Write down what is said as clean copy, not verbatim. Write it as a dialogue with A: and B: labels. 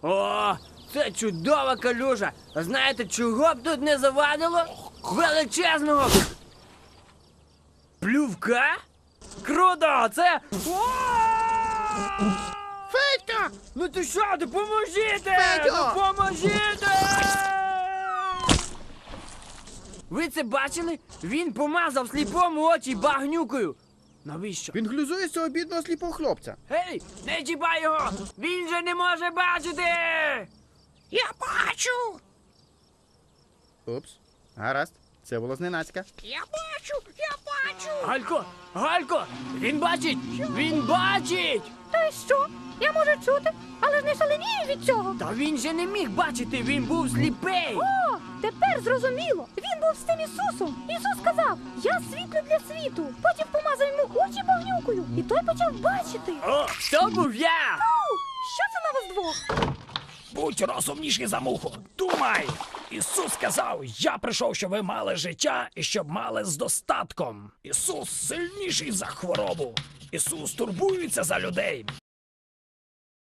A: О, це чудова калюжа. А знаєте, чого б тут не завадило? Величезного плювка? Круто! Це...
B: Федька!
A: Ну ти що, допоможіть!
B: Федьо!
A: Допоможіть! Ви це бачили? Він помазав сліпому очі багнюкою. Навіщо?
B: Він глузує з цього бідного сліпого хлопця.
A: Гей, не чіпай його! Він же не може бачити!
C: Я бачу!
B: Упс. Гаразд. Це було зненацька.
C: Я бачу! Я бачу!
A: Галько! Галько! Він бачить! Він бачить!
D: Та й що? Я можу чути, але ж не шаленію від цього.
A: Та він же не міг бачити, він був сліпий!
D: О, тепер зрозуміло. Він був з цим Ісусом. Ісус сказав, я світло для світу. Потім помазав йому очі багнюкою, і той почав бачити.
A: О, то був я!
D: Що це на вас двох?
C: Будь розумніший за муху! Думай! Ісус сказав, я прийшов, щоб ви мали життя і щоб мали з достатком. Ісус сильніший за хворобу. Ісус турбується за людей.